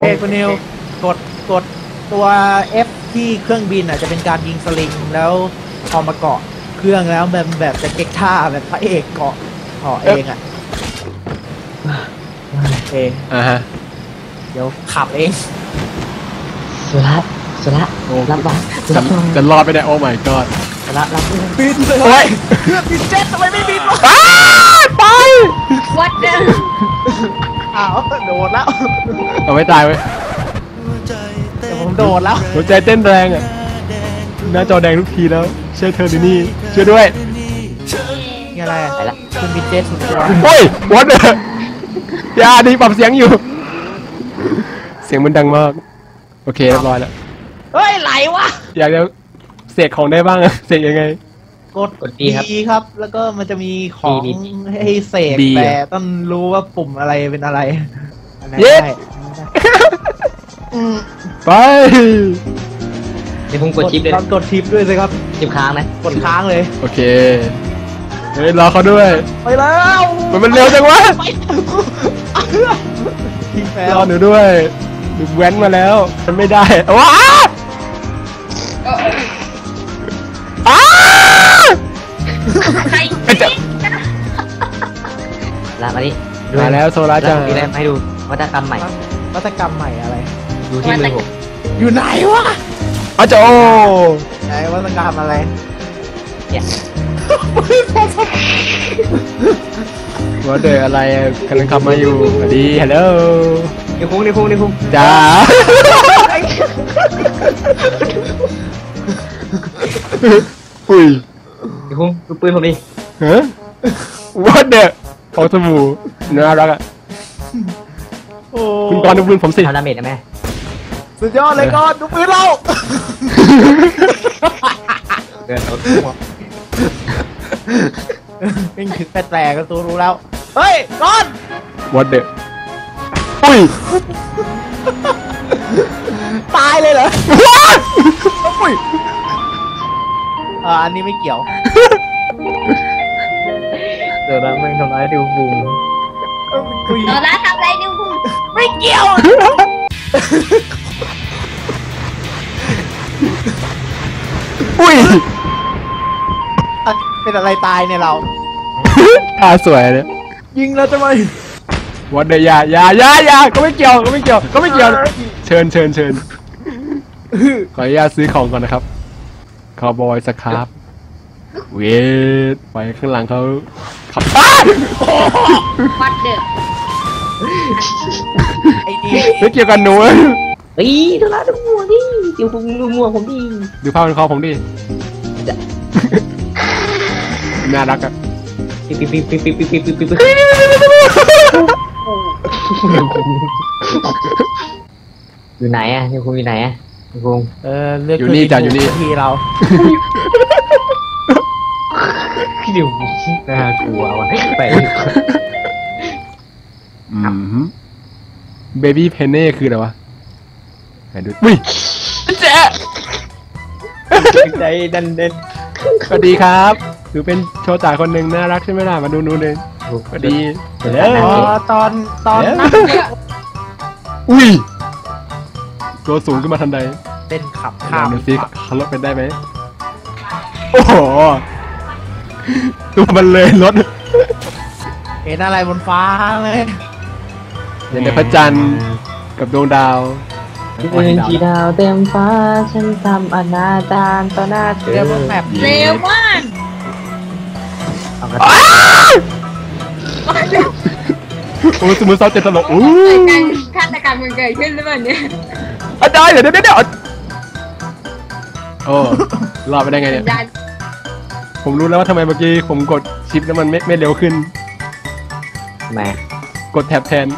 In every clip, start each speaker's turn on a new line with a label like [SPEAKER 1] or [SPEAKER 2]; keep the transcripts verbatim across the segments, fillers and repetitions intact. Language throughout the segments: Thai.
[SPEAKER 1] เฮ้คุณนิวกดกดตัว F ที่เครื่องบินอ่ะจะเป็นการยิงสลิงแล้วพอมาเกาะเครื่องแล้วแบบแบบจะเก็กท่าแบบพระเอกเกาะเกาะเองอ่ะโอเคอ่าฮะเดี๋ยวขับเอง
[SPEAKER 2] สุระสุระรับบ้าง
[SPEAKER 3] จะจะรอดไปได้โอ้ my god
[SPEAKER 2] สุระรับ
[SPEAKER 1] บินเลยโอ้ยเครื่องบินเจ็ตทำไมไม่บินวะ
[SPEAKER 3] ไป
[SPEAKER 2] วัดเดิม
[SPEAKER 1] อ้าวโดดแล้ว
[SPEAKER 3] เอาไม่ตายเว้ย
[SPEAKER 1] แต่ผมโดดแล้ว
[SPEAKER 3] หัวใจเต้นแรงอ่ะหน้าจอแดงทุกทีแล้วเชื่อเธอดินี่ช่วยด้วย
[SPEAKER 1] นี่อะไรอ่ะเครื่องบินเจ็ตสุดตัว
[SPEAKER 3] โอ้ยวัดเลยอย่าดีปรับเสียงอยู่เสียงมันดังมากโอเคเรียบร้อยแล้ว
[SPEAKER 1] เฮ้ยไหลวะ
[SPEAKER 3] อยากจะเสกของได้บ้างอะเสกยังไง
[SPEAKER 1] กดกดดีครับแล้วก็มันจะมีของให้เสกแต่ต้องรู้ว่าปุ่มอะไรเป็นอะไร
[SPEAKER 3] เย้ไป
[SPEAKER 2] เดี๋ยวผมกดชิปเลย
[SPEAKER 1] กดชิปด้วยสิครับ
[SPEAKER 2] ชิปค้างนะ
[SPEAKER 1] กดค้างเลย
[SPEAKER 3] โอเคเฮ้ยรอเขาด้วย
[SPEAKER 1] ไปแล้ว
[SPEAKER 3] มันมันเร็วจังวะรอหนูด้วยหนูแว้นมาแล้วมันไม่ได้ว้าอ้า
[SPEAKER 2] ใครจะลามาดิ
[SPEAKER 3] มาแล้วโซล่าจัง
[SPEAKER 2] มีอะไรให้ดูวัตกรรมใหม่
[SPEAKER 1] วัตกรรมใหม่อะไร
[SPEAKER 2] ดูที่มือผม
[SPEAKER 1] อยู่ไหนวะ
[SPEAKER 3] อาจารย์
[SPEAKER 1] ไหนวัตกรรมอะไร
[SPEAKER 2] เนี่ย
[SPEAKER 3] ว่าเดออะไรกำลังขับมาอยู่สวัสดีฮัลโหล
[SPEAKER 2] นี่คุ้งนี่คุ้งนี่คุ้ง
[SPEAKER 3] จ้าอุ้ย
[SPEAKER 2] นี่คุ้งดูปืนผมดิ
[SPEAKER 3] ฮะว่าเดอโอ้สมูน่ารักอ่ะคุณกรณ์ดูปืนผมสิ
[SPEAKER 2] ทำดาเมจนะแม่
[SPEAKER 1] สุดยอดเลยก่อนดูปืนเรา
[SPEAKER 2] เดินเอา
[SPEAKER 1] ตัววิ่งถึงแปลกๆก็ตัวรู้แล้วเฮ้ยก่อน
[SPEAKER 3] วัดเด็กอุ้ย
[SPEAKER 1] ตายเลยเหรออุ้ยอ่าอันนี้ไม่เกี่ยว
[SPEAKER 2] เดี๋ยวนะมึงทำร้ายดิวบุ้ง
[SPEAKER 4] เดี๋ยวนะทำอะไรดิวบุ้ง
[SPEAKER 1] ไม่เกี่ยว
[SPEAKER 3] อุ้ย
[SPEAKER 1] เป็นอะไรตายเนี่ยเรา
[SPEAKER 3] ท่าสวยเลย
[SPEAKER 1] ยิงแล้วจะไม่
[SPEAKER 3] วัดเดียยายายายาก็ไม่เกี่ยวก็ไม่เกี่ยวก็ไม่เกี่ยวเชิญเชิญเชิญขออนุญาตซื้อของก่อนนะครับคาวบอยสครับเวทไปข้างหลังเขาขับ
[SPEAKER 4] วัดเด้อ
[SPEAKER 1] ไอ้นี่
[SPEAKER 3] ไม่เกี่ยวกันหนู
[SPEAKER 2] เฮ้ยดูละดูมัวดิดูผมดูมัวผมดิ
[SPEAKER 3] ดูภาพเป็นคอผมดิน่ารักอะ
[SPEAKER 2] ปิ๊บปิ๊บปิ๊บปิ๊บปิ๊บปิ๊บปิ๊บปิ๊บอยู่ไหนอะนี่คุณอยู่ไหนอะคุณ
[SPEAKER 1] เออเลือก
[SPEAKER 3] อยู่นี่จ้ะอยู่นี่
[SPEAKER 1] ที่เรา
[SPEAKER 2] พี่ดิวน่ากลัวว่ะไป
[SPEAKER 3] อืมเบบี้เพนเน่คืออะไรวะไหนดูอุ้ยเจ๊
[SPEAKER 2] ใจดันเด่น
[SPEAKER 3] สวัสดีครับถือเป็นโชตาคนหนึ่งน่ารักใช่ไหมล่ะมาดูนู่นเลยสวัสดี
[SPEAKER 1] อ๋อตอนตอนนั่ง
[SPEAKER 3] อุ้ยตัวสูงขึ้นมาทันใด
[SPEAKER 1] เป็นขับข้าม
[SPEAKER 3] ดูสิขับรถเป็นได้ไหมโอ้โหตัวมันเลยรถ
[SPEAKER 1] เห็นอะไรบนฟ้าเลย
[SPEAKER 3] เห็นแต่พระจันทร์กับดวงดาว
[SPEAKER 2] เป็นที่ดาวเต็มฟ้าฉันทำอนาจารต่อหน้าเธอ
[SPEAKER 1] แบบ
[SPEAKER 4] เร็วมาก
[SPEAKER 3] โอ้สมุนเศร้าเจ็ดตลกอู้
[SPEAKER 4] ฆาตกรรมมันเกิดขึ้นหรือเปล่าเนี่ย
[SPEAKER 3] อาจารย์เดี๋ยวเดี๋ยวเดี๋ยวโอ้รอดไปได้ไงเนี่ยผมรู้แล้วว่าทำไมเมื่อกี้ผมกดชิปแล้วมันไม่ไม่เร็วขึ้น
[SPEAKER 2] แหม
[SPEAKER 3] กดแท็บแทน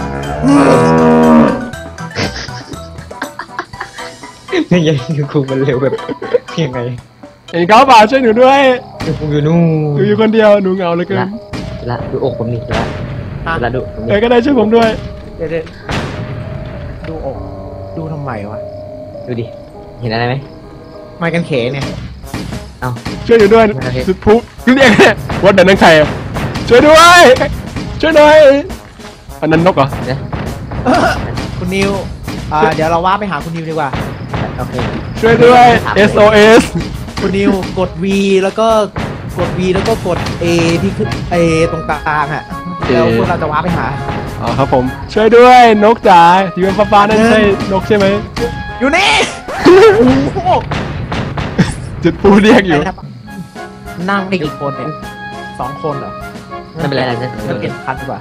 [SPEAKER 2] ยังยังคงมันเร็วแบบเพียงไง
[SPEAKER 3] เอ็งเขาบ่าช่วยหนูด้วย
[SPEAKER 2] อยู่อยู่นู่น
[SPEAKER 3] หนูอยู่คนเดียวหนูเหงาเลยเกิน
[SPEAKER 2] ละดูอกผมนี่ละละดู
[SPEAKER 3] เอ้ก็ได้ช่วยผมด้วย
[SPEAKER 1] เดี๋ยวดูอกดูทำไมวะ
[SPEAKER 2] ดูดิเห็นอะไรไหม
[SPEAKER 1] ไม้กันเขเนี่ย
[SPEAKER 2] เอา
[SPEAKER 3] ช่วยอยู่ด้วยสุดพุเรียกเนี่ยวัดเดินนั่งใครช่วยด้วยช่วยหน่อยอันนั้นนกเหรอ
[SPEAKER 2] เนี่ย
[SPEAKER 1] คุณนิวอ่าเดี๋ยวเราว่าไปหาคุณนิวดีกว่า
[SPEAKER 2] โอเค
[SPEAKER 3] ช่วยด้วย เอส โอ เอส
[SPEAKER 1] คุณนิวกด V แล้วก็กด V แล้วก็กด A ที่ขึ้น A ตรงกลางอ่ะแล้วพวกเราจะว่าไปหา
[SPEAKER 3] อ๋อครับผม ช่วยด้วยนกจ๋าอยู่บนฟ้าๆนั่นใช่นกใช่ไหม
[SPEAKER 1] อยู่นี่โอ้โห
[SPEAKER 3] จุดปูเรียกอยู่
[SPEAKER 1] นั่งได้กี่คนเนี่ยสองคนเหรอ
[SPEAKER 2] ไม่เป็นไรนะ
[SPEAKER 1] เราเปลี่ยนคันดีกว่า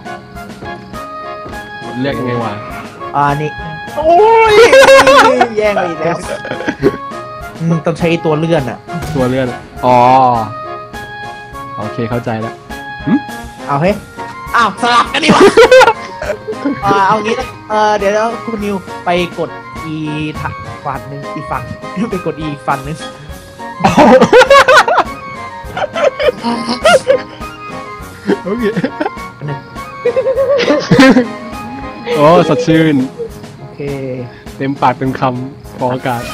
[SPEAKER 3] เรียกยังไงวะ
[SPEAKER 1] อ่านี่โอ้ยแย่งไปอีกแล้วอืมต้องใช้ตัวเลื่อนอ่ะ
[SPEAKER 3] ตัวเลื่อนอ๋อโอเคเข้าใจแล้ว
[SPEAKER 1] เอาเฮ้ยอ้าวสลับกันดีกว่า อ่าเอางี้นะเออเดี๋ยวแล้วคุณนิวไปกด E ทางฝั่งหนึ่งอีกฝั่ง ไปกด E อีกฝั่งหนึ่ง
[SPEAKER 3] โอเค
[SPEAKER 1] หนึ่ง
[SPEAKER 3] โอ้สดชื่น
[SPEAKER 1] โอเค
[SPEAKER 3] เต็มปากเต็มคำพออากาศ
[SPEAKER 2] ได้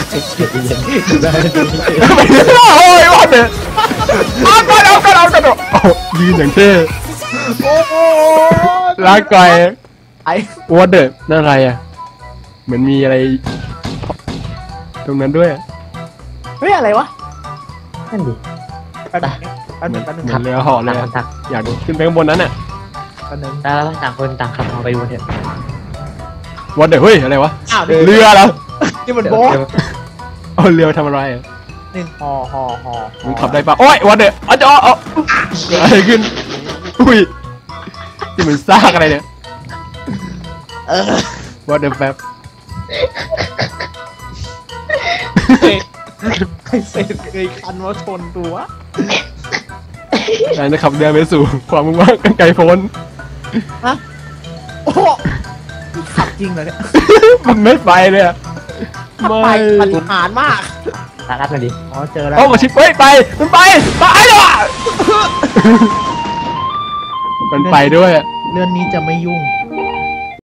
[SPEAKER 3] โอ้ยวันเนี่ยเอาก่อนเอาก่อนเอาก่อนโอ้ยืนอย่างเท่
[SPEAKER 1] โอ้โห
[SPEAKER 3] ลากไกล
[SPEAKER 1] ไอ้
[SPEAKER 3] วอเดอร์นั่นอะไรอ่ะเหมือนมีอะไร ตรงนั้นด้วย
[SPEAKER 1] เฮ้ยอะไรวะ
[SPEAKER 2] นั่นดิ
[SPEAKER 1] แป๊บนึงแป๊บนึงแป๊บนึง
[SPEAKER 3] เหมือนเรือห่อเลย
[SPEAKER 2] ต่างค
[SPEAKER 3] อะ
[SPEAKER 2] นต่าง
[SPEAKER 3] อยากขึ้นไปข้างบนนั้นอ่ะ
[SPEAKER 1] แป๊บนึง
[SPEAKER 2] แล้วต่างคนต่างขับมาไปดูเถอะ
[SPEAKER 3] วอเดอร์เฮ้ยอะไรวะ
[SPEAKER 1] อ้าว
[SPEAKER 3] เรือเหรอ
[SPEAKER 1] นี่มันโบ๊ท
[SPEAKER 3] เอาเรือทำอะไรอ่ะ
[SPEAKER 1] หนึ่งฮอฮอฮอ
[SPEAKER 3] มึงขับได้ปะโอ้ยวอเดอร์อ๋อจะอ๋อเกิดอะไรขึ้นอุ้ยที่มันซากอะไรเนี่ย
[SPEAKER 1] เออ
[SPEAKER 3] วอเดอร์แป๊บ
[SPEAKER 1] ไอ้เศษเคยคันว่าชนตัว
[SPEAKER 3] นายจะขับเรือไปสู่ความมุ่งมั่นไกลโพ้น
[SPEAKER 1] ฮะโอ้โหขับจริงเหรอเนี่ย
[SPEAKER 3] มันไม่ไปเลยอะ
[SPEAKER 1] ขับ
[SPEAKER 3] ไม่
[SPEAKER 1] ไปปฏิหารย์มาก
[SPEAKER 2] ตาลัดมาดิ
[SPEAKER 1] อ๋อเจอแล้ว
[SPEAKER 3] โอ้มาชิปเฮ้ยไปมันไปไปเลยว่ะมันไปด้วยอะ
[SPEAKER 1] เรื่องนี้จะไม่ยุ่ง